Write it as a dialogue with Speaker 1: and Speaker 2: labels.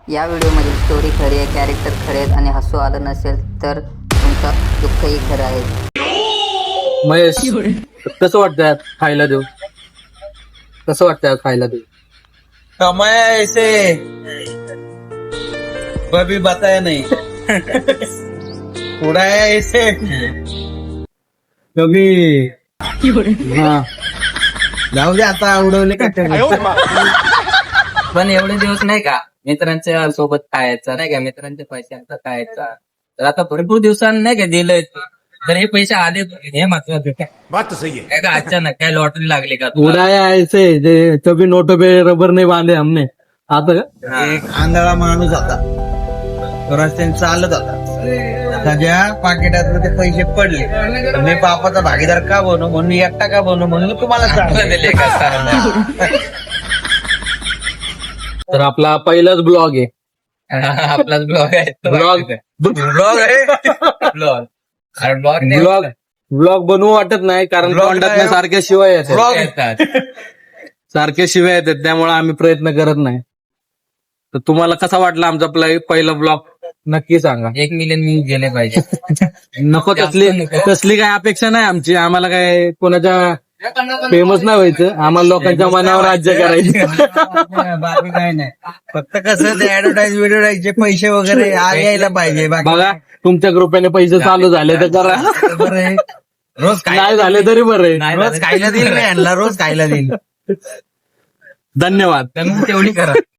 Speaker 1: या व्हिडिओमधील स्टोरी खरी आहे, कॅरेक्टर खरे आहेत आणि हसू आलं नसेल तर तुमचं दुःखही खरं आहे.
Speaker 2: महेश, कसं वाटतं खायला देऊ? कसं वाटतं खायला देऊ?
Speaker 3: कमाया ऐसे कभी बताया नहीं उड़ाया ऐसे कभी
Speaker 2: हा.
Speaker 3: जाऊ दे आता उडवले का
Speaker 4: पण एवढे दिवस नाही का मित्रांच्या सोबत खायचा नाही का, मित्रांचे पैसे आता खायचा. तर आता भरपूर दिवसांनी नाही का दिलंय, तर हे पैसे आले हे महत्वाचं काय? काय का अचानक काय लॉटरी लागली का तुला?
Speaker 2: उडाया ऐसे जे कभी नोटो पे रबर नहीं बांधे हमने. आता का?
Speaker 3: एक आंधळा माणूस होता, तो रस्त्याने चालत होता. त्याच्या पाकिटात ते पैसे पडले. तर मी बापाचा भागीदार का बनू म्हणून, एकटा का बनू म्हणून तुम्हाला सांगतो.
Speaker 4: दिले का सांगा?
Speaker 2: तर आपला पहिलाच ब्लॉग आहे.
Speaker 4: आपलाच ब्लॉग आहे तो.
Speaker 2: ब्लॉग
Speaker 3: ब्लॉग आहे.
Speaker 4: ब्लॉग अरे ब्लॉग
Speaker 2: ब्लॉग ब्लॉग बनवू वाटत नाही, कारण
Speaker 3: Vlog
Speaker 2: तोंडात
Speaker 3: नाही.
Speaker 2: सारख्या शिवाय येतात.
Speaker 3: Vlog.
Speaker 4: येतात.
Speaker 2: सारख्या शिवाय येतात, त्यामुळे आम्ही प्रयत्न करत नाही. तर तुम्हाला कसा वाटला आमचा पहिला ब्लॉग नक्की सांगा.
Speaker 4: 1 मिलियन व्ह्यूज गेले पाहिजे.
Speaker 2: नको तसली तसली काय अपेक्षा नाही आमची. आम्हाला काय कोणाच्या फेमस नाही व्हायचं, आम्हाला लोकांच्या मनावर राज्य करायचं.
Speaker 3: बाकी काय नाही. फक्त कसं ते ऍडव्हर्टाईज पैसे वगैरे यायला पाहिजे. बाकी
Speaker 2: बघा, तुमच्या कृपेने पैसे चालू झाले तर करा,
Speaker 3: बरं आहे. रोज
Speaker 2: नाही झाले तरी बरं आहे.
Speaker 3: रोज खायला देईल मी यांना, रोज खायला देईल.
Speaker 2: धन्यवाद.
Speaker 4: तर मग तेवढी करा.